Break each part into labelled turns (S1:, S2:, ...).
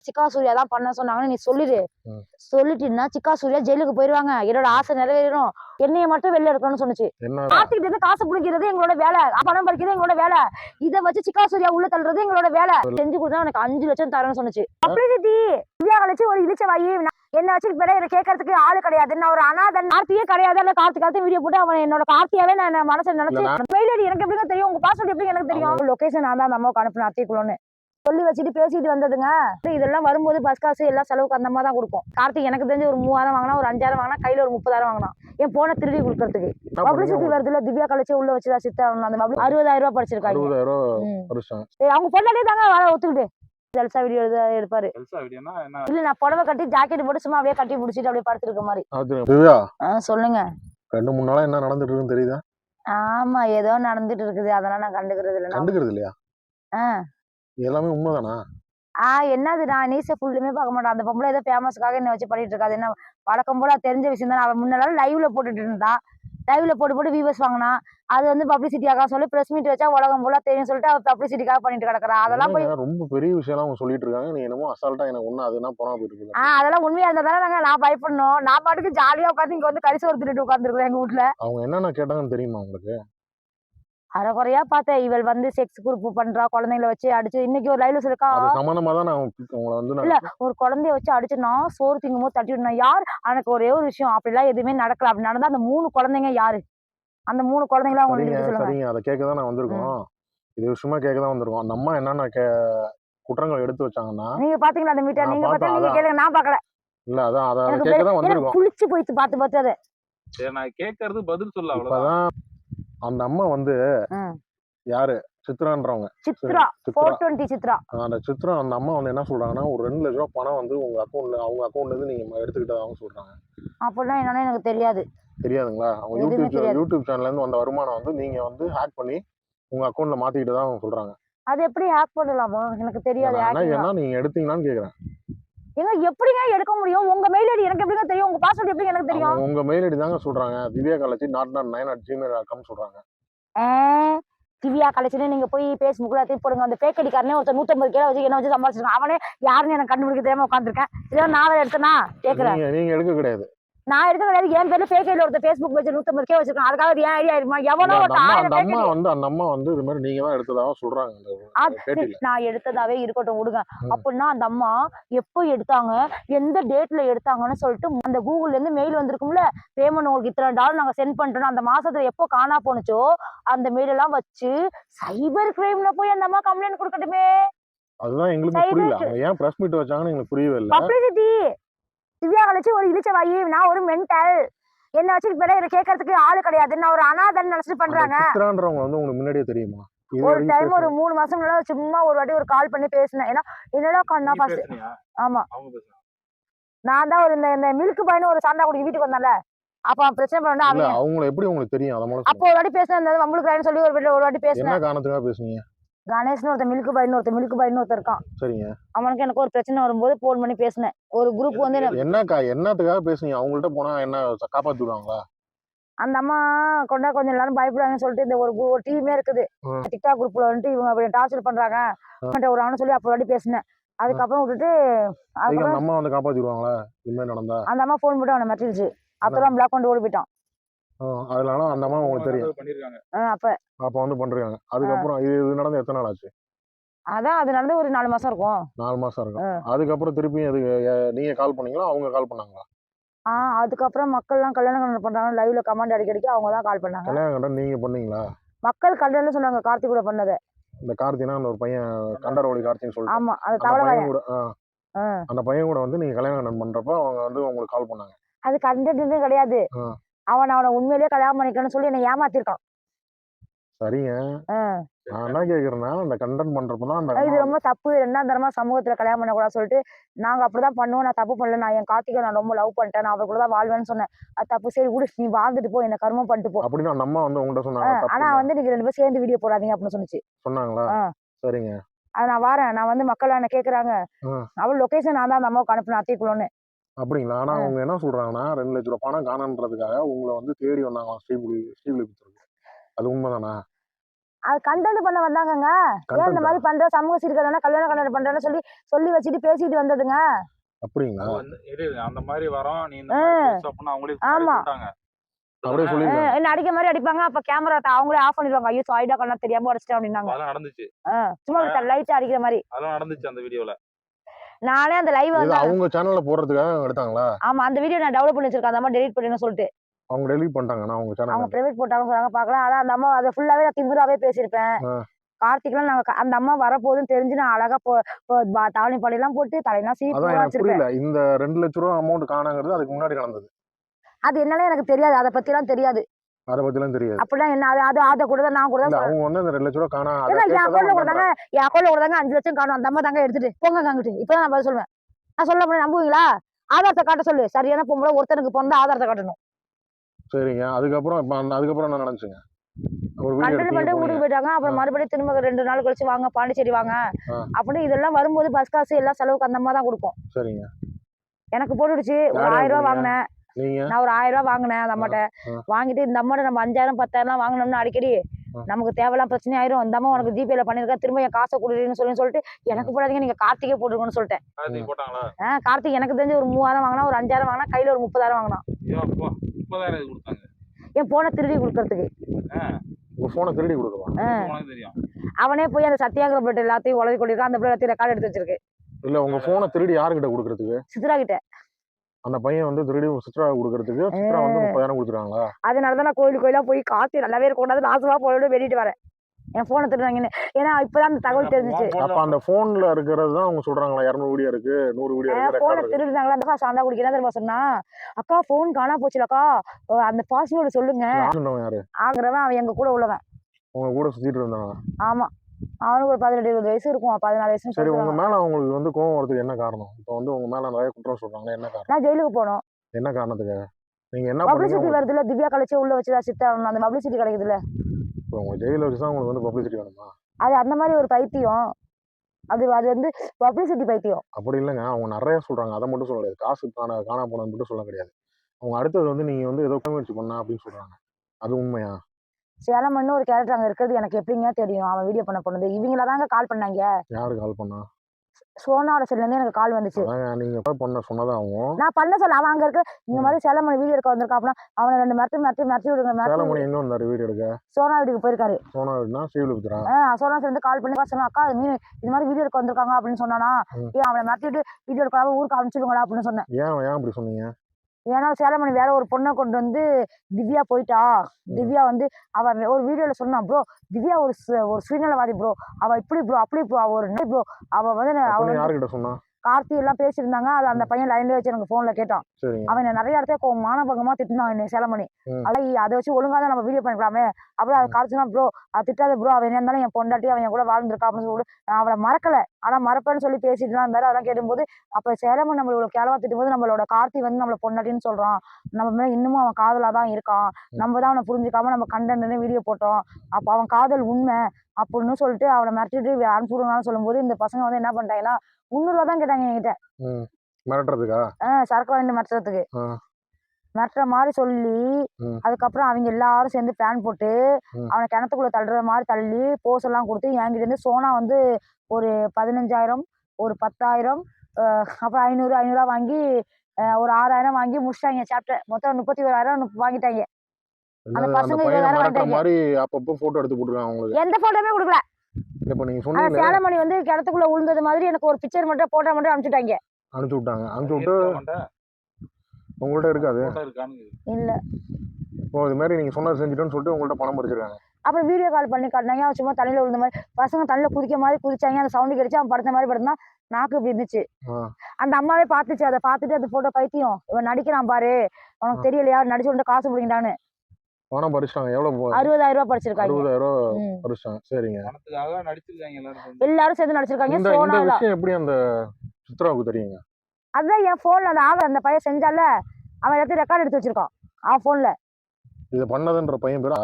S1: சிக்கா சூர்யா தான் பண்ண சொன்னாங்கன்னு நீ சொல்லிடு. சொல்லிட்டீன்னா சிக்கா சூர்யா ஜெயிலுக்கு போயிருவாங்க. என்னோட ஆசை நிறைவேறும். என்னைய மட்டும் வெளில எடுக்கணும்னு சொன்னுச்சு. கார்த்திகிட்ட இருந்து காசு புடிக்கிறது எங்களோட வேலை, பணம் பறிக்கிறது எங்களோட வேலை. இதை வச்சு சிக்கா சூர்யா உள்ள தள்ளுறது எங்களோட வேலை. செஞ்சு கொடுத்தா எனக்கு 5 லட்சம் தரேன்னு சொன்னுச்சு. அப்படி திவ்யா கழிச்சு ஒரு இழிச்ச வாயி என்ன வச்சு இதை கேட்கறதுக்கு ஆளு கிடையாது. நான் ஒரு அனாதன். கார்த்தியே கிடையாது. அந்த கார்த்தி வீடியோ போட்டு அவன் என்னோட கார்த்தியாவே நான் மனசுல நினைச்சு மெயிலடி எனக்கு எப்படிங்க தெரியும், உங்க பாஸ்வேர்ட் எப்படி எனக்கு தெரியும், லொகேஷன் நான் தான் அந்த அம்மாவுக்கு அனுப்பின அத்திக்குள்ளோன்னு சொல்லி வச்சுட்டு பேசிட்டு வந்ததுங்க. இதெல்லாம் வரும்போது பஸ் காசு எல்லாம் செலவுக்கு அந்த மாதிரி தான் கொடுக்கும். கார்த்திக் எனக்கு தெரிஞ்சு ஒரு 3000 வாங்கினா, ஒரு 5000 வாங்கினா, கையில ஒரு 30,000 வாங்கினா என் போன திருடி கொடுக்கறதுக்கு. பப்ளிசிட்டி வருதுல, திவ்யா கழிச்சு உள்ள வச்சுதா சித்தா அந்த 60,000 ரூபாய் படிச்சிருக்காங்க. அவங்க பொண்ணாலே தாங்க வர ஒத்துக்கிட்டு ஜல்சா வீடியோ எடுப்பாரு. இல்ல நான் புடவை கட்டி ஜாக்கெட் போட்டு சும்மா அப்படியே கட்டி பிடிச்சிட்டு அப்படியே படுத்திருக்க மாதிரி. சொல்லுங்க.
S2: 2-3 நாளா என்ன நடந்துட்டு இருக்குன்னு தெரியுதா?
S1: ஆமா, ஏதோ நடந்துட்டு இருக்குது. அதெல்லாம் நான் கண்டுக்கிறது
S2: இல்லையா? எல்லாமே உண்மைதானா?
S1: என்னது, நான் நியூஸை ஃபுல்லுமே பார்க்க மாட்டேன். அந்த பொம்பளை ஏதோ ஃபேமஸ்க்காக என்ன வச்சு பண்ணிட்டு இருக்காது. என்ன வழக்கம் போல தெரிஞ்ச விஷயம் தானே. அவன் முன்னால லைவ்ல போட்டுட்டு இருந்தா, லைவ்ல போட்டு வியூவர்ஸ் வாங்கினா, அது வந்து பப்ளிசிட்டியாக சொல்லி பிரஸ் மீட் வச்சா உலகம் போல தெரியும் சொல்லிட்டு அவ பப்ளிசிட்டிக்காக பண்ணிட்டு கிடக்குறா. அதெல்லாம் போய்
S2: ரொம்ப பெரிய விஷயம் அவங்க சொல்லிட்டு இருக்காங்க. நீ என்னமோ அசால்ட்டா எனக்கு ஒண்ணு அதுனா போனா போயிருக்கு.
S1: அதெல்லாம் உண்மையா இருந்தா தானே நான் பயப்படணும். நான் பாட்டுக்கு ஜாலியா உட்காந்து இங்க வந்து கரிசோறு தின்னுட்டு உட்காந்துருக்கேன் எங்க வீட்டுல.
S2: அவங்க என்னென்ன கேட்டாங்கன்னு தெரியுமா உங்களுக்கு?
S1: அரைகுறையா பார்த்தேன். இவள் வந்து செக்ஸ் குரூப் பண்றா, குழந்தைங்களை வச்சு அடிச்சு. இன்னைக்கு ஒரு லைவ்ல சொல்லிருக்கா,
S2: சமானமா தான் உங்களை வந்து
S1: இல்ல ஒரு குழந்தைய வச்சு அடிச்சு நான் சோறு திங்கும் போது தட்டி விடணும். யார் எனக்கு ஒரே ஒரு விஷயம், அப்படிலாம் எதுவுமே நடக்கல. அப்படி நடந்தா அந்த 3 குழந்தைங்க யாரு? அந்த 3 குழந்தைங்களா உங்களுக்கு சொல்லுங்க.
S2: சரிங்க, அதை கேட்கதான் நான் வந்திருக்கோம். இது விஷயமா கேட்கதான் வந்திருக்கோம். அந்த அம்மா என்னென்ன குற்றங்கள் எடுத்து வச்சாங்கன்னா,
S1: நீங்க பாத்தீங்களா அந்த மீட்டர்? நீங்க பார்த்தா நீங்க கேளுங்க, நான் பார்க்கல.
S2: இல்ல அதான் அதை கேட்கதான் வந்திருக்கோம்.
S1: புளிச்சு போயிட்டு பார்த்து அதை
S3: நான் கேட்கறது பதில் சொல்ல அவ்வளவுதான்.
S2: அந்த அம்மா வந்து யாரு? சித்ரான்றவங்க.
S1: சித்ரா 420 சித்ரா.
S2: அந்த சித்ரா அந்த அம்மா வந்து என்ன சொல்றாங்கன்னா, ஒரு 2 லட்சம் ரூபாய் பணம் வந்து உங்க அக்கௌண்ட்ல, அவங்க அக்கௌண்ட்ல இருந்து நீங்க எடுத்துக்கிட்டதாகவும் சொல்றாங்க.
S1: அப்படின்னா என்னன்னு எனக்கு தெரியாது.
S2: தெரியாதுங்களா? அவங்க யூடியூப் சேனல்ல இருந்து வந்த வருமானம் வந்து நீங்க வந்து ஹேக் பண்ணி உங்க அக்கௌண்ட்ல மாத்திக்கிட்டதா அவங்க சொல்றாங்க.
S1: அது எப்படி ஹேக் பண்ணலாமா? எனக்கு தெரியாது.
S2: ஏன்னா நீங்க எடுத்தீங்களான்னு கேக்குறேன்.
S1: ஏங்க எப்படிங்க எடுக்க முடியும்? உங்க மெயில் ஐடி எனக்கு எப்படிங்க தெரியும்? உங்க பாஸ்வேர்ட் எப்படி எனக்கு தெரியும்?
S2: உங்க மெயில் ஐடி தாங்க சொல்றாங்க. divyakalachi.9@gmail.com சொல்றாங்க.
S1: திவ்யா கலெக்ஷன் நீங்க போய் Facebookல எல்லாத்தையும் போடுங்க. அந்த பேக் அடிக்காரனே ஒருத்தர் 150 கிலோ வச்சு என்ன வச்சு சம்பாதிச்சிருக்கான். அவனே யாருன்னு எனக்கு கண்டுபிடிக்க தெரியாம உட்காந்துருக்கேன். இதெல்லாம் நான் எடுத்தனா கேக்குறேன்.
S2: நீங்க எடுக்க கிடையாது.
S1: நான் எடுக்க கிடையாது. என் பேர்ல பேக் ஐடில ஒருத்தர் Facebook வச்சு 150 கிலோ வச்சிருக்கான். அதுக்காக ஏன் ஐடியா இருக்குமா? எவனோ
S2: அந்த அம்மா வந்து இது மாதிரி நீங்க தான் எடுத்ததாக சொல்றாங்க.
S1: நான் எடுத்ததாவே இருக்கட்டும் விடுங்க. அப்படின்னா அந்த அம்மா எப்போ எடுத்தாங்க, எந்த டேட்ல எடுத்தாங்கன்னு சொல்லிட்டு அந்த கூகுள்ல இருந்து மெயில் வந்திருக்கும்ல, பேமெண்ட் உங்களுக்கு இத்தனை டாலர் நாங்க சென்ட் பண்றோம், அந்த மாசத்துல எப்போ காணா போனுச்சோ அந்த மெயில் எல்லாம் வச்சு சைபர் கிரைம்ல போய் அந்த அம்மா கம்ப்ளைண்ட் கொடுக்கட்டுமே.
S2: அதுதான் எங்களுக்கு புரியல. அவங்க ஏன் பிரஸ் மீட் வச்சாங்கன்னு எங்களுக்கு புரியவே இல்லை.
S1: பப்ளிசிட்டி. திவ்யா கழிச்சு ஒரு இழிச்ச வாயி, நான் ஒரு மென்டல், என்ன வச்சு இதை கேட்கறதுக்கு ஆளு கிடையாது. நான் ஒரு அனாதன் நினைச்சிட்டு பண்றாங்க.
S2: சித்ரான்றவங்க வந்து உங்களுக்கு முன்னாடியே தெரியுமா?
S1: ஒரு டைம் ஒரு 3 மாசம் முன்னாடி சும்மா ஒரு வாட்டி ஒரு கால் பண்ணி பேசினேன். ஏன்னா என்னடா கண்ணா பாஸ். ஆமா, நான் தான் ஒரு இந்த மில்க் பாய்னு ஒரு சாந்தா குடி வீட்டுக்கு வந்தால, அப்ப பிரச்சனை பண்ணா
S2: அவங்கள எப்படி உங்களுக்கு தெரியும்?
S1: அப்போ ஒரு வாட்டி பேசினேன். வம்பளுக்கு சொல்லி ஒரு வாட்டி பேசினேன்.
S2: என்ன காரணத்துக்காக பேசுனீங்க?
S1: கணேஷ்னு ஒருத்தர் மில்க் பாய்னு ஒருத்தர் இருக்கான்.
S2: சரிங்க.
S1: அவனுக்கு எனக்கு ஒரு பிரச்சனை வரும்போது போன் பண்ணி பேசினேன். ஒரு குரூப் வந்து
S2: என்னத்துக்காக பேசுனீங்க? அவங்கள்ட்ட போனா என்ன காப்பாத்தி விடுவாங்களா?
S1: அந்த அம்மா கொண்டா கொஞ்சம் எல்லாரும் பயப்படுவாங்கன்னு சொல்லிட்டு இந்த ஒரு டீமே இருக்குது. டிக்டாக் குரூப்ல வந்துட்டு இவங்க அப்படி டார்ச்சர் பண்றாங்க ஒரு அவனு சொல்லி அப்போ வாட்டி பேசினேன். அதுக்கப்புறம் விட்டுட்டு
S2: அந்த அம்மா வந்து காப்பாத்திடுவாங்களா இந்த மாதிரி நடந்தா?
S1: அந்த அம்மா போன் போட்டு அவனை மெசேஜ் அப்புறம் பிளாக் பண்ணி ஓடி போயிட்டான்.
S2: அதனால அந்த அம்மா உங்களுக்கு தெரியும். அப்ப வந்து பண்றாங்க. அதுக்கப்புறம் இது நடந்து எத்தனை நாள் ஆச்சு?
S1: அதான் அது நடந்து ஒரு 4 மாசம் இருக்கும்.
S2: 4 மாசம் இருக்கும். அதுக்கப்புறம் திருப்பி நீங்க கால் பண்ணீங்களா, அவங்க கால் பண்ணாங்களா?
S1: அதுக்கப்புறம் மக்கள் எல்லாம் கல்யாணம் பண்றாங்க, லைவ்ல கமெண்ட் அடிக்கடிக்கு அவங்க தான் கால் பண்ணாங்க.
S2: கல்யாணம் நீங்க பண்ணீங்களா?
S1: மக்கள் கல்யாணம் சொன்னாங்க. கார்த்திக் கூட பண்ணது.
S2: இந்த கார்த்தினா அந்த ஒரு பையன் கண்டரோலி கார்த்தின்னு சொல்லிட்டு.
S1: ஆமா, அது தவளை கூட.
S2: அந்த பையன் கூட வந்து நீங்க கல்யாணம் பண்றப்ப அவங்க வந்து உங்களுக்கு கால் பண்ணாங்க. அது
S1: கண்டென்ட் கிடையாது. அவனை உண்மையிலேயே கல்யாணம் பண்ணிக்கணும்னு சொல்லி என்னை ஏமாத்திருக்கான்.
S2: சரிங்க. நான் என்ன கேக்குறேன்னா, அந்த கண்டென்ட் பண்றப்பதான்
S1: இது ரொம்ப தப்பு. 2ஆம் தரமா சமூகத்துல கல்யாணம் பண்ணக்கூடாது சொல்லிட்டு நாங்க அப்படிதான் பண்ணுவோம். நான் தப்பு பண்ணல. நான் என் கார்த்திகை நான் ரொம்ப லவ் பண்ணிட்டேன். நான் அவ கூட தான் வாழ்வேன்னு சொன்னேன். அது தப்பு. சரி விடு, நீ வாழ்ந்துட்டு போ, என்ன கர்மம் பண்ணிட்டு போ
S2: அப்படின்னு அந்த அம்மா வந்து உங்கள்ட்ட சொன்னாங்க.
S1: ஆனா வந்து நீங்க 2 பேரும் சேர்ந்து வீடியோ போடாதீங்க அப்படின்னு சொன்னுச்சு.
S2: சொன்னாங்களா? சரிங்க.
S1: அது நான் வரேன். நான் வந்து மக்கள் என்ன கேக்குறாங்க, அவள் லொகேஷன் நான் தான் அந்த அம்மாவுக்கு அனுப்பினேன் அத்திக்குள்ளோன்னு.
S2: அப்படிங்களா? ஆனா அவங்க என்ன சொல்றாங்கன்னா 2 லட்சம் ரூபாய் பணம் காணன்றதுக்காக உங்களை வந்து தேடி வந்தாங்க ஸ்ரீவில்லிபுத்தூருக்கு. அது உண்மைதானா?
S1: அது கண்டென்ட் பண்ண வந்தாங்கங்க. ஏன் இந்த மாதிரி பண்ற சமூக சீர்கேடான கல்யாண கண்டென்ட் பண்றேன்னு சொல்லி வச்சுட்டு பேசிட்டு வந்ததுங்க.
S2: அப்படிங்களா?
S3: அந்த மாதிரி வரோம் நீ இந்த மாதிரி பேசு அப்படின்னு அவங்களே
S1: ஆமா.
S3: சொல்லிட்டாங்க.
S2: அப்படியே சொல்லிருக்காங்க.
S1: என்ன அடிக்க மாதிரி அடிப்பாங்க. அப்ப கேமரா அவங்களே ஆஃப் பண்ணிடுவாங்க. ஐயோ சாரிடா கண்ணா தெரியாம உடைச்சிட்டேன் அப்படின்னாங்க.
S3: அதெல்லாம் நடந்துச்சு.
S1: சும்மா லைட்டா அடிக்கிற மாதிரி.
S3: அதெல்லாம் நடந்துச்சு அந்த வீடியோல.
S1: நானே அந்த லைவ்
S2: இது அவங்க சேனல்ல போடுறதுக்காக எடுத்தாங்களா?
S1: ஆமா அந்த வீடியோ நான் டெவலப் பண்ணி வச்சிருக்கேன். அந்த அம்மா டெலீட் பண்ணுன்னு சொல்லிட்டு.
S2: அவங்க டெலீட் பண்ணிட்டாங்கன்னா அவங்க சேனல்.
S1: அவங்க பிரைவேட் போட்டாங்க சொன்னாங்க பார்க்கலாம். ஆனா அந்த அம்மா அதை ஃபுல்லாவே நான் திமிராவே பேசியிருப்பேன். கார்த்திக்லாம் நாங்க அந்த அம்மா வரப்போகுதுன்னு தெரிஞ்சு நான் அழகா தாவணி பாடையெல்லாம் போட்டு தலையெல்லாம் சீப்பு
S2: புரியல. இந்த 2 லட்சம் ரூபாய் அமௌண்ட் காணாங்கிறது அதுக்கு முன்னாடி நடந்தது.
S1: அது என்னன்னு எனக்கு தெரியாது. அதை பத்தி எல்லாம் தெரியாது.
S2: அத பத்திலாம் தெரியாது.
S1: அப்படிலாம் என்ன அத கூட தான் நான் கூட தான்
S2: அவங்க வந்து அந்த 2 லட்சம் ரூபாய் காணா
S1: என் அக்கௌண்ட்ல கொடுத்தாங்க. என் அக்கௌண்ட்ல கொடுத்தாங்க 5 லட்சம் காணும். அந்த அம்மா தாங்க எடுத்துட்டு போங்க அங்கிட்டு. இப்பதான் நான் பதில் சொல்லுவேன். நான் சொல்ல முடியும் நம்புவீங்களா? ஆதாரத்தை காட்ட சொல்லு. சரியான பொம்பளை ஒருத்தனுக்கு பிறந்த ஆதாரத்தை காட்டணும்.
S2: சரிங்க. அதுக்கப்புறம் என்ன நடந்துச்சுங்க?
S1: கண்டென்ட் பண்ணிட்டு ஊருக்கு போயிட்டாங்க. அப்புறம் மறுபடியும் திரும்ப 2 நாள் கழிச்சு வாங்க பாண்டிச்சேரி வாங்க அப்படின்னு இதெல்லாம் வரும்போது பஸ் காசு எல்லாம் செலவுக்கு அந்த அம்மா தான் கொடுக்கும்.
S2: சரிங்க.
S1: எனக்கு போட்டுடுச்சு. ஒரு 1000 ரூபாய் வாங்கினேன். நான் ஒரு 1000 ரூபாய் வாங்கினேன் அந்த அம்மாட்ட. வாங்கிட்டு இந்த அம்மாட்ட நம்ம 5000 10,000 வாங்கினோம்னா அடிக்கடி நமக்கு தேவையெல்லாம் பிரச்சனை ஆயிரும். இந்த அம்மா உனக்கு ஜிபேல பண்ணிருக்கா திரும்ப என் காசை கொடுறீன்னு சொல்லிட்டு எனக்கு போடாதீங்க நீங்க கார்த்திகே போட்டுருக்கோன்னு சொல்லிட்டேன். கார்த்திக் எனக்கு தெரிஞ்சு ஒரு 3000 வாங்கினா ஒரு 5000 வாங்கினா கையில ஒரு 30,000 வாங்கினான். என் போனை திருடி கொடுக்கறதுக்கு. அவனே போய் அந்த சத்தியாகிரக பிளேட் எல்லாத்தையும் உளவி கொண்டிருக்கான். அந்த பிள்ளை எல்லாத்தையும் ரெக்கார்ட் எடுத்து வச்சிருக்கு.
S2: இல்ல உங்க போனை திருடி யாருக்கிட்ட கொடுக்கறதுக்கு?
S1: சித்ரா கிட்ட.
S2: அந்த பையன் வந்து திருடி சித்ரா கொடுக்கறதுக்கு சித்ரா வந்து 30,000 கொடுத்துறாங்களா?
S1: அதனாலதான் நான் கோயிலா போய் காத்து நல்லாவே இருக்கக்கூடாது நாசமா போயிட்டு வெளியிட்டு வரேன். என் போனை திருடுறாங்கன்னு. ஏன்னா இப்பதான் அந்த தகவல் தெரிஞ்சிச்சு.
S2: அப்ப அந்த போன்ல இருக்கிறது தான் அவங்க சொல்றாங்களா 200 வீடியோ இருக்கு 100 வீடியோ இருக்கு.
S1: போனை திருடுறாங்களா? அந்த சாண்டா குடிக்கிறா தெரியுமா சொன்னா அக்கா போன் காணா போச்சுலக்கா அந்த பாஸ்வேர்டு சொல்லுங்க. ஆகுறவன் அவன் எங்க கூட உள்ளவன்.
S2: உங்க கூட சுத்திட்டு இருந்தாங்க.
S1: ஆமா அவனுக்கு ஒரு 18-20 வயசு இருக்கும். 14 வயசு.
S2: சரி உங்க மேல அவங்களுக்கு வந்து கோவம் வரதுக்கு என்ன காரணம்? இப்போ வந்து உங்க மேல நிறைய குற்றம் சொல்றாங்க. என்ன காரணம்?
S1: நான் ஜெயிலுக்கு போனோம்.
S2: என்ன காரணத்துக்கு? நீங்க என்ன
S1: பப்ளிசிட்டி வருதுல திவ்யா கழிச்சு உள்ள வச்சுதா சித்தா அந்த பப்ளிசிட்டி கிடைக்குதுல்ல.
S2: இப்போ உங்க ஜெயில வச்சு தான் உங்களுக்கு வந்து பப்ளிசிட்டி வேணுமா?
S1: அது அந்த மாதிரி ஒரு பைத்தியம். அது வந்து பப்ளிசிட்டி பைத்தியம்.
S2: அப்படி இல்லைங்க. அவங்க நிறைய சொல்றாங்க. அதை மட்டும் சொல்ல முடியாது. காசு காணா போனது மட்டும் சொல்ல கிடையாது. அவங்க அடுத்தது வந்து நீங்க வந்து ஏதோ முயற்சி பண்ணா அப்படின்னு சொல்றாங்க. அது உண்மையா? சேலமன்னு
S1: ஒரு கேரக்டர் அங்க இருக்கிறது எனக்கு எப்படிங்க தெரியும்? அவன் வீடியோ பண்ண போனது இவங்கள தாங்க கால் பண்ணாங்க.
S2: யாரு கால் பண்ணா?
S1: சோனாவோட சைடுல இருந்து எனக்கு கால் வந்துச்சு.
S2: நீங்க பண்ண சொன்னதா அவங்க?
S1: நான் பண்ண சொல்ல அவன் அங்க இருக்க இந்த மாதிரி சேலமணி வீடியோ எடுக்க வந்திருக்கான் அப்படின்னா அவனை 2 மிரட்டி விடுங்க.
S2: சேலமணி எங்க வந்தாரு வீடியோ எடுக்க?
S1: சோனா வீட்டுக்கு போயிருக்காரு.
S2: சோனா வீடுனா ஸ்ரீவில்லிபுத்தூரா?
S1: சோனா சேர்ந்து கால் பண்ணி சொன்னா அக்கா இது மாதிரி வீடியோ எடுக்க வந்திருக்காங்க அப்படின்னு சொன்னானா. அவனை மிரட்டிட்டு வீடியோ எடுக்காம ஊருக்கு அனுப்பிச்சிடுங்களா அப்படின்னு சொன்னேன்.
S2: ஏன் அப்படி சொன்னீங்க?
S1: ஏன்னா சேலமணி வேற ஒரு பொண்ணை கொண்டு வந்து திவ்யா போயிட்டா. திவ்யா வந்து அவன் ஒரு வீடியோல சொன்னான் ப்ரோ திவ்யா ஒரு சுயநலவாதி ப்ரோ. அவ இப்படி ப்ரோ அப்படி ப்ரோ அவ ஒரு ப்ரோ அவ வந்து
S2: யாருக்கிட்ட சொன்னா?
S1: கார்த்தி எல்லாம் பேசியிருந்தாங்க. அது அந்த பையன் லைன்ல வச்சு எனக்கு போன்ல கேட்டான். அவன் நிறைய இடத்துல மானபங்கமா திட்டினான் என்ன சேலமணி. அதை வச்சு ஒழுங்கா தான் நம்ம வீடியோ பண்ணிக்கலாமே. அப்புறம் அது கார்த்தினா ப்ரோ அது திட்டாத ப்ரோ அவன் என்ன இருந்தாலும் என் பொண்டாட்டி அவன் கூட வாழ்ந்துருக்கா அப்படின்னு சொல்லிட்டு நான் அவளை மறக்கல. ஆனா மறப்பேன்னு சொல்லி பேசிட்டு தான் இருந்தாரு. அதெல்லாம் கேட்டும்போது அப்ப சேலமணி நம்மளோட கேளவா திட்டும்போது நம்மளோட கார்த்தி வந்து நம்மள பொண்டாட்டின்னு சொல்றான். நம்ம மேல இன்னமும் அவன் காதலா தான் இருக்கான். நம்ம தான் அவனை புரிஞ்சுக்காம நம்ம கண்டென்ட்னு வீடியோ போட்டோம். அப்ப அவன் காதல் உண்மை அப்படின்னு சொல்லிட்டு அவளை மிரட்டிட்டு அனுப்பிவிடுங்கன்னு சொல்லும்போது இந்த பசங்க வந்து என்ன பண்ணிட்டாங்கன்னா 300 ரூபா தான் கேட்டாங்க என்கிட்ட.
S2: மிரட்டுறதுக்கா?
S1: சரக்கு வாங்கி மிரட்டுறதுக்கு. மிரட்டுற மாதிரி சொல்லி அதுக்கப்புறம் அவங்க எல்லாரும் சேர்ந்து பிளான் போட்டு அவனை கிணத்துக்குள்ள தள்ளுற மாதிரி தள்ளி போஸ் எல்லாம் கொடுத்து என்கிட்ட இருந்து சோனா வந்து ஒரு 15,000 ஒரு 10,000 அப்புறம் 500 வாங்கி ஒரு 6,000 வாங்கி முடிச்சிட்டாங்க. சாப்டர் மொத்தம் 31,000 வாங்கிட்டாங்க. அந்த பசங்க 20,000 வாங்கிட்டாங்க.
S2: அப்பப்போ போட்டோ எடுத்து போட்டுருக்காங்க உங்களுக்கு?
S1: எந்த போட்டோமே கொடுக்கல.
S2: இப்ப நீங்க சொன்னீங்க
S1: சேலமணி வந்து கிணத்துக்குள்ள விழுந்தது மாதிரி எனக்கு ஒரு பிக்சர் மட்டும் போட்டோ மட்டும் அனுப்பிச்சுட்டாங்க.
S2: அனுப்பிச்சு விட்டு உங்கள்ட்ட இருக்காது
S1: இல்ல.
S2: இப்போ இது மாதிரி நீங்க சொன்னது செஞ்சுட்டோன்னு சொல்லிட்டு உங்கள்ட்ட பணம் பறிச்சிருக்காங்க.
S1: அப்புறம் வீடியோ கால் பண்ணி காட்டினாங்க. அவன் சும்மா தண்ணியில விழுந்த மாதிரி பசங்க தண்ணியில குதிக்க மாதிரி குதிச்சாங்க. அந்த சவுண்டு கிடைச்சு அவன் படுத்த மாதிரி படுத்தா நாக்கு இப்படி இருந்துச்சு. அந்த அம்மாவே பாத்துச்சு. அதை பார்த்துட்டு அந்த போட்டோ பைத்தியம் இவன் நடிக்கிறான் பாரு உனக்கு தெரியலையா நடிச்சு விட்டு காசு பிடிக்கிட்டான்னு
S2: பணம் பறிச்சிட்டாங்க. எவ்வளவு?
S1: 60,000 ரூபாய் பறிச்சிருக்காங்க.
S2: 60,000 பறிச்சாங்க. சரிங்க.
S1: எல்லாரும் சேர்ந்து நடிச்சிருக்காங்க.
S2: இந்த விஷயம் எப்படி அந்த சித்ராவுக்கு தெரியுங்க?
S1: அதான் என் போன்ல அந்த பையன் செஞ்சால அவன் எல்லாத்தையும் ரெக்கார்ட் எடுத்து வச்சிருக்கான் அவன் போன்ல.
S2: இத பண்ணதுன்ற பையன் பேரா?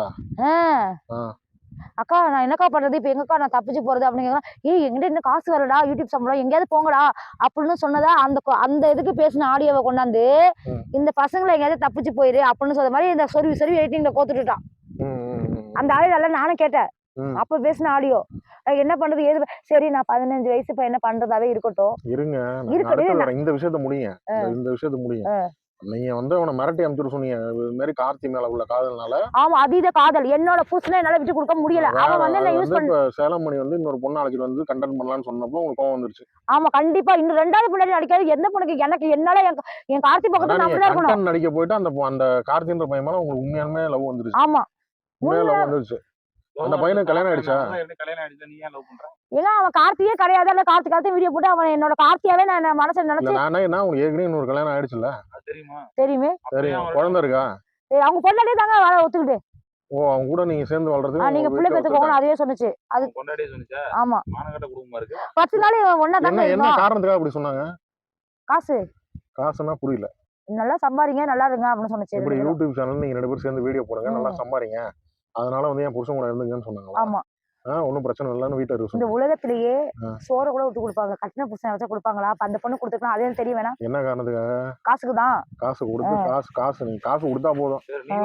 S1: அக்கா நான் என்னக்கா பண்றது இப்ப எங்கக்கா நான் தப்பிச்சு போறது அப்படிங்க. எங்கிட்ட இன்னும் காசு வரடா யூடியூப் சம்பளம் எங்கேயாவது போங்கடா அப்படின்னு சொன்னதா அந்த இதுக்கு பேசின ஆடியோவை கொண்டாந்து இந்த பசங்களை எங்கேயாவது தப்பிச்சு போயிரு அப்படின்னு சொல்ற மாதிரி இந்த சொருவி எடிட்டிங்ல கோத்துட்டுட்டான். அந்த ஆடியோ நானும் கேட்டேன். அப்ப பேசின ஆடியோ. என்ன பண்றது ஏது சரி நான் 15 வயசு இப்ப என்ன பண்றதாவே இருக்கட்டும்.
S2: இருங்க இந்த விஷயத்த முடியுங்க. இந்த விஷயத்த முடியுங்க. நீங்க வந்து அவனை மிரட்டி அனுப்பிச்சு சொன்னீங்க இது மாதிரி கார்த்தி மேல உள்ள காதல்னால.
S1: ஆமா அதீத காதல் என்னோட புருஷனை என்னால விட்டு கொடுக்க முடியல. அவன் வந்து என்ன யூஸ் பண்ண
S2: சேலம் மணி வந்து இன்னொரு பொண்ணு நாளைக்கு வந்து கண்டென்ட் பண்ணலாம்னு சொன்னப்போ உங்களுக்கு கோவம் வந்துருச்சு.
S1: ஆமா கண்டிப்பா இன்னும் 2வது பின்னாடி நடிக்காது எந்த பொண்ணுக்கு எனக்கு என்னால என் கார்த்தி பக்கத்துல நான் தான் இருக்கணும்.
S2: கண்டென்ட் நடிக்க போயிட்டு அந்த கார்த்தின்ற பையன் மேல உங்களுக்கு உண்மையாலுமே லவ் வந்துருச்சு.
S1: ஆமா
S2: உண்மையா லவ் வந்துருச்சு. அந்த பையனுக்கு கல்யாணம் ஆயிடுச்சா?
S3: கல்யாணம் ஆயிடுச்சு. நீ ஏன் லவ் பண்ற?
S1: ஏன்னா அவன் கார்த்தியே கிடையாது. இல்ல கார்த்தி வீடியோ போட்டு அவன் என்னோட கார்த்தியாவே நான் மனசுல நினைச்சு.
S2: நானே என்ன உங்களுக்கு ஏற்கனவே இன்னொரு கல்யாணம் ஆயிடுச்சுல்ல?
S3: தெரியுமா?
S1: தெரியுமே.
S2: சரி குழந்தை இருக்கா?
S1: அவங்க பொண்டாட்டியே தாங்க வாழ ஒத்துக்கிட்டு.
S2: ஓ அவங்க கூட நீங்க சேர்ந்து வாழ்றது.
S1: நீங்க புள்ள பெத்துக்கோங்க அதுவே சொன்னுச்சு. அது
S3: பொண்டாட்டியே சொன்னுச்சா?
S1: ஆமா.
S3: மானகட்ட குடும்பமா இருக்கு.
S1: 10 நாள் ஒண்ணா தாங்க.
S2: என்ன காரணத்துக்காக அப்படி சொன்னாங்க? காசுனா புரியல.
S1: நல்லா சம்பாரிங்க நல்லா இருங்க அப்படின்னு சொன்னுச்சு.
S2: இப்படி யூடியூப் சேனல் நீங்க 2 பேரும் சேர்ந்து வீடியோ போடுங்க நல்லா சம்பாரிங்க. அதனால வந்து என் புருஷன் கூட இருந்துங்கன்னு சொன்னாங்களா?
S1: ஆமா.
S2: ஒன்னும் பிரச்சனை இல்லன்னு வீட்டுல இருக்கு.
S1: இந்த உலகத்திலேயே சோற கூட விட்டு கொடுப்பாங்க. கட்டின புருஷன் வச்சா கொடுப்பாங்களா? அப்ப அந்த பொண்ணு கொடுத்துக்கலாம் அதே தெரியும் வேணா.
S2: என்ன காரணத்துக்காக?
S1: காசுக்கு தான்.
S2: காசு கொடுத்து காசு நீங்க காசு கொடுத்தா போதும்.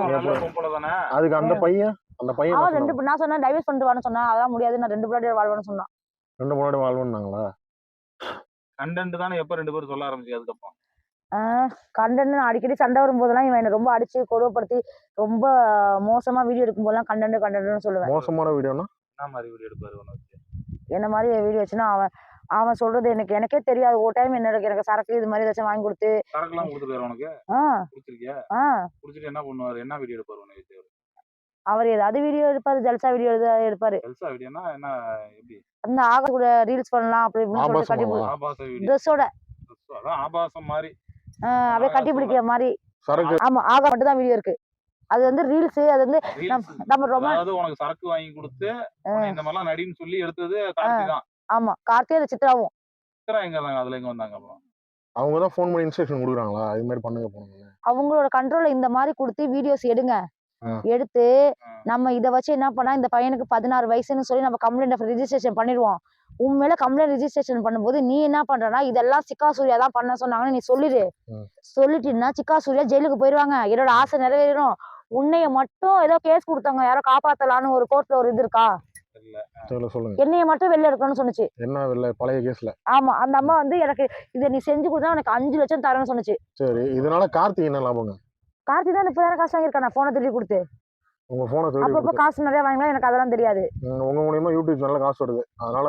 S2: அதுக்கு அந்த பையன்
S1: அவன் 2 நான் சொன்னா டைவர்ஸ் பண்ணிட்டு வான்னு சொன்னா அதெல்லாம் முடியாது நான் 2 பிள்ளையோட வாழ்வேன்னு சொன்னான்.
S2: 2 பிள்ளையோட வாழ்வேன்னாங்களா?
S3: கண்டென்ட் தானே எப்ப 2 பேரும் சொல்ல ஆரம்பிச்சு அதுக்கப்புறம்.
S1: கண்டென்ட் அடிக்கடி சண்டை வரும்போதெல்லாம் இவன் என்ன ரொம்ப அடிச்சு கொடுமைப்படுத்தி ரொம்ப மோசமா வீடியோ எடுக்கும் போதெல்லாம் கண்டென்ட்னு சொல்லுவேன்.
S2: மோசமான வீடியோனா
S3: என்ன மாதிரி வீடியோ எடுப்பாரு உனக்கு?
S1: என்ன மாதிரி வீடியோ வச்சுன்னா அவன் சொல்றது எனக்கே தெரியாது. ஒரு டைம் எனக்கு சரக்கு இது மாதிரி ஏதாச்சும் வாங்கி கொடுத்து.
S3: சரக்குலாம் கொடுத்துருக்காரு உனக்கு? குடிச்சிருக்கியா? குடிச்சிட்டு என்ன பண்ணுவாரு? என்ன வீடியோ எடுப்பாரு உனக்கு?
S1: அவர் ஏதாவது வீடியோ எடுப்பாரு. ஜல்சா வீடியோ எடுப்பாரு.
S3: ஜல்சா வீடியோனா என்ன எப்படி?
S1: அந்த ஆக கூட ரீல்ஸ் பண்ணலாம் அப்படி இப்படின்னு சொல்லிட்டு கட்டி
S3: ஆபாச வீடியோ.
S1: ட்ரெஸ்ஸோட.
S3: அதான் ஆபாசம் மாதிரி.
S1: அப்படியே கட்டி பிடிக்கிற மாதிரி.
S2: சரக்கு.
S1: ஆமா ஆக மட்டும் தான் வீடியோ இருக்கு. அது வந்து ரீல்ஸ் அது வந்து நம்ம ரொம்ப
S3: அதாவது உனக்கு சரக்கு வாங்கி கொடுத்து இந்த மாதிரிலாம் நடின்னு சொல்லி எடுத்தது கார்த்தி தான்.
S1: ஆமா கார்த்தி அது சித்ராவும்.
S3: சித்ரா எங்க இருந்தாங்க? அதுல எங்க வந்தாங்க அப்புறம்?
S2: அவங்க தான் ஃபோன் பண்ணி இன்ஸ்ட்ரக்ஷன் கொடுக்குறாங்களா இது மாதிரி பண்ணுங்க போங்க?
S1: அவங்களோட கண்ட்ரோல்ல இந்த மாதிரி கொடுத்து வீடியோஸ் எடுங்க. எடுத்து நம்ம இத வச்சு என்ன பண்ணா இந்த பையனுக்கு 16 வயசுன்னு சொல்லி நம்ம கம்ப்ளைண்ட் ரெஜிஸ்ட்ரேஷன் பண்ணிடுவோம். உண்மையில கம்ப்ளைண்ட் ரெஜிஸ்ட்ரேஷன் பண்ணும்போது நீ என்ன பண்றனா இதெல்லாம் சிக்கா சூர்யா தான் பண்ண சொன்னாங்கன்னு நீ சொல்லிடு. சொல்லிட்டீங்கன்னா சிக்கா சூர்யா ஜெயிலுக்கு போயிருவாங்க. என்னோட ஆசை நிறைவேறும். உன்னைய மட்டும் ஏதோ கேஸ் கொடுத்தாங்க யாரோ காப்பாத்தலான்னு ஒரு கோர்ட்ல ஒரு இது இருக்கா?
S2: சொல்லுங்க.
S1: என்னைய மட்டும் வெளில எடுக்கணும்னு சொன்னுச்சு.
S2: என்ன வெளில? பழைய கேஸ்ல.
S1: ஆமா அந்த அம்மா வந்து எனக்கு இத நீ செஞ்சு கொடுத்தா உனக்கு 5 லட்சம் தரேன்னு சொன்னுச்சு.
S2: சரி இதனால கார்த்தி என்ன லாபங்க?
S1: கார்த்தி தான் 30,000 காசு வாங்கியிருக்கான். நான் போனை திருடி கொடுத்து.
S2: உங்க போனை திருடி
S1: அப்பப்போ காசு நிறைய வாங்கலாம் எனக்கு அதெல்லாம் தெரியாது.
S2: உங்க மூலியமா யூடியூப் சேனல்ல காசு வருது. அதனால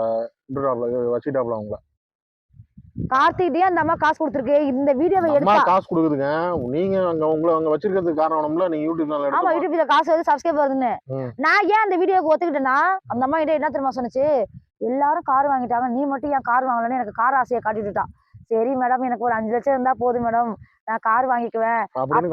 S2: வச்சிட்டாப்ல உங்களை.
S1: கார்த்திகிட்டே அந்த அம்மா காசு கொடுத்துருக்கு. இந்த வீடியோவை எடுத்தா
S2: காசு கொடுக்குதுங்க. நீங்க அங்க வச்சிருக்கிறதுக்கு காரணம்ல நீங்க யூடியூப் சேனல் எடுத்து.
S1: ஆமா யூடியூப்ல காசு வந்து சப்ஸ்கிரைப் வருதுன்னு. நான் ஏன் அந்த வீடியோக்கு ஒத்துக்கிட்டேன்னா அந்த அம்மா கிட்ட என்ன தெரியுமா சொன்னுச்சு? எல்லாரும் கார் வாங்கிட்டாங்க நீ மட்டும் ஏன் கார் வாங்கலன்னு எனக்கு கார் ஆசையை காட்டிட்டுட்டான். சரி மேடம் எனக்கு ஒரு 5 லட்சம் இருந்தா போதும் மேடம் நான் கார் வாங்கிக்குவேன் அப்படின்னு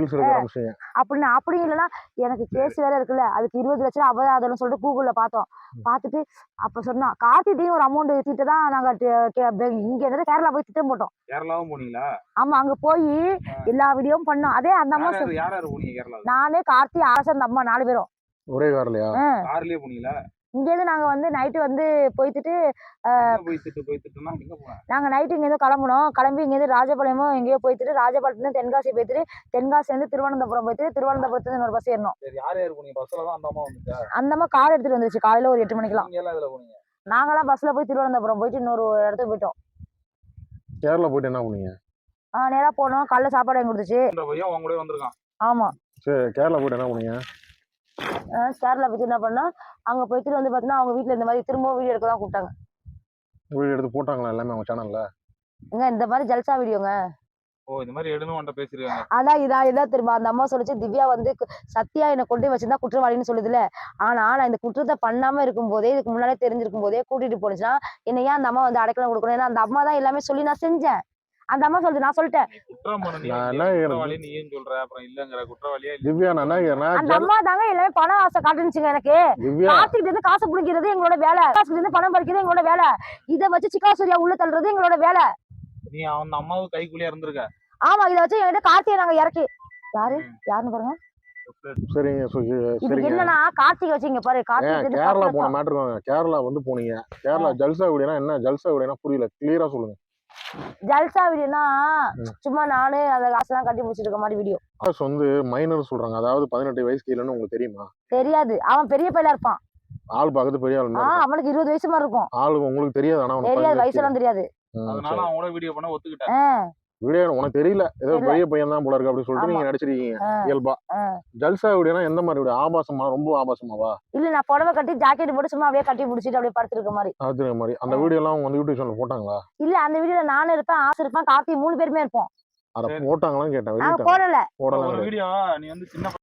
S1: அப்படி இல்லைன்னா எனக்கு கேஸ் வேற இருக்குல்ல அதுக்கு 20 லட்சம் அபராதம்னு சொல்லிட்டு கூகுள்ல பார்த்தோம். பார்த்துட்டு அப்ப சொன்னா கார்த்திட்டையும் ஒரு அமௌண்ட் திட்டு தான் நாங்க இங்க இருந்து கேரளா போய் திட்டம் போட்டோம்.
S3: கேரளாவும் போனீங்களா?
S1: ஆமா அங்க போய் எல்லா வீடியோவும் பண்ணோம். அதே அந்த அம்மா நானே கார்த்தி ஆசை அந்த அம்மா 4 பேரும்
S2: ஒரே கார்லயா?
S3: கார்லயே போனீங்களா?
S1: இங்க இருந்து நாங்க வந்து நைட்டு வந்து போயிட்டு நாங்க நைட்டு இங்க இருந்து கிளம்பணும். கிளம்பி இங்க இருந்து ராஜபாளையமோ எங்கேயோ போயிட்டு ராஜபாளையத்துல தென்காசி போயிட்டு தென்காசி வந்து திருவனந்தபுரம் போயிட்டு திருவனந்தபுரத்துல இன்னொரு பஸ் ஏறணும். அந்த அம்மா கார் எடுத்துட்டு வந்துருச்சு காலையில ஒரு 8 மணிக்கெல்லாம். நாங்களாம் பஸ்ல போய் திருவனந்தபுரம் போயிட்டு இன்னொரு இடத்துக்கு போயிட்டோம்.
S2: கேரளா போயிட்டு என்ன பண்ணீங்க?
S1: நேரா போனோம். காலைல சாப்பாடு வாங்கி கொடுத்துச்சு. ஆமா
S2: சரி கேரளா போயிட்டு என்ன பண்ணீங்க?
S1: கேரளா போயிட்டு என்ன பண்ணா அங்க போயிட்டு வந்து பாத்தீங்கன்னா அவங்க வீட்டுல இந்த மாதிரி திரும்ப வீடியோ எடுக்க தான் கூப்பிட்டாங்க.
S2: வீடியோ எடுத்து போட்டாங்களா எல்லாமே அவங்க சேனல்ல?
S1: இந்த மாதிரி ஜல்சா வீடியோங்க.
S3: இந்த மாதிரி எடுன்னு பேசிருக்காங்க.
S1: ஆனா இதான் என்ன தெரியுமா அந்த அம்மா சொல்லிச்சு திவ்யா வந்து சத்யா என்னை கொண்டு வச்சிருந்தா குற்றவாளின்னு சொல்லுதுல. ஆனா நான் இந்த குற்றத்தை பண்ணாம இருக்கும் போதே இதுக்கு முன்னாலே தெரிஞ்சிருக்கும் போதே கூட்டிட்டு போனுச்சுன்னா என்ன ஏன் அந்த அம்மா வந்து அடைக்கலம் கொடுக்கணும்? ஏன்னா அந்த அம்மா தான் எல்லாமே சொல்லி நான் செஞ்சேன். அந்த அம்மா சொல்லுது நான் சொல்லிட்டேன். அந்த அம்மா தாங்க எல்லாமே பணம் ஆசை காட்டுச்சுங்க எனக்கு. கார்த்திகிட்ட இருந்து காசு பிடிக்கிறது எங்களோட வேலை. காசுல இருந்து பணம் பறிக்கிறது எங்களோட வேலை. இதை வச்சு சிக்கா சூர்யா உள்ள தள்ளுறது எங்களோட வேலை.
S3: நீ அந்த அம்மாவுக்கு கைக்குள்ளே இருந்திருக்க.
S1: ஆமா இதை வச்சு என்கிட்ட கார்த்திகை நாங்க இறக்கி யாருன்னு பாருங்க. இது என்னன்னா கார்த்திகை வச்சு இங்க பாரு கார்த்திகை
S2: கேரளா போன மேட்டர். கேரளா வந்து போனீங்க. கேரளா ஜல்சா வீடியோனா என்ன? ஜல்சா வீடியோனா புரியல கிளியரா சொல்லுங்க.
S1: ஜல்சா வீடியோனா சும்மா நானே அந்த காசெல்லாம் கட்டி முடிச்சிட்டு இருக்க மாதிரி வீடியோ.
S2: வந்து மைனர் சொல்றாங்க. அதாவது 18 வயசு கீழன்னு உங்களுக்கு தெரியுமா?
S1: தெரியாது. அவன் பெரிய பையலா இருப்பான்.
S2: ஆள் பார்க்கறது பெரிய ஆள் மாதிரி இருக்கும்.
S1: அவனுக்கு 20 வயசு மாதிரி இருக்கும்.
S2: ஆளு உங்களுக்கு தெரியாது, ஆனா உனக்கு
S1: தெரியாது,
S2: 15
S1: வயசுலாம் தெரியாது.
S3: அதனால அவங்க கூட வீடியோ பண்ண ஒத்துக்கிட்டேன்.
S2: வீடியோ உனக்கு தெரியல, ஏதோ
S1: தெரியல.
S2: பெரிய பையன் தான் போல இருக்கு அப்படின்னு சொல்லிட்டு நீங்க நடிச்சிருக்கீங்க இயல்பா. ஜல்சா வீடியோனா எந்த மாதிரி வீடியோ? ஆபாசமா, ரொம்ப ஆபாசமாவா?
S1: இல்ல, நான் புடவை கட்டி ஜாக்கெட் போட்டு சும்மா அப்படியே கட்டி பிடிச்சிட்டு அப்படியே படுத்திருக்க மாதிரி.
S2: அது மாதிரி அந்த வீடியோ எல்லாம் அவங்க வந்து யூடியூப் சேனல் போட்டாங்களா?
S1: இல்ல, அந்த வீடியோல நானும் இருப்பேன், ஆசை இருப்பான், கார்த்தி 3 பேருமே இருப்போம்.
S2: அத போட்டாங்களான்னு கேட்டேன்.
S1: நாங்க போடல.
S2: போடலாம்
S3: ஒரு
S2: கிடையாது.
S3: வீடியோ நீ வந்து சின்ன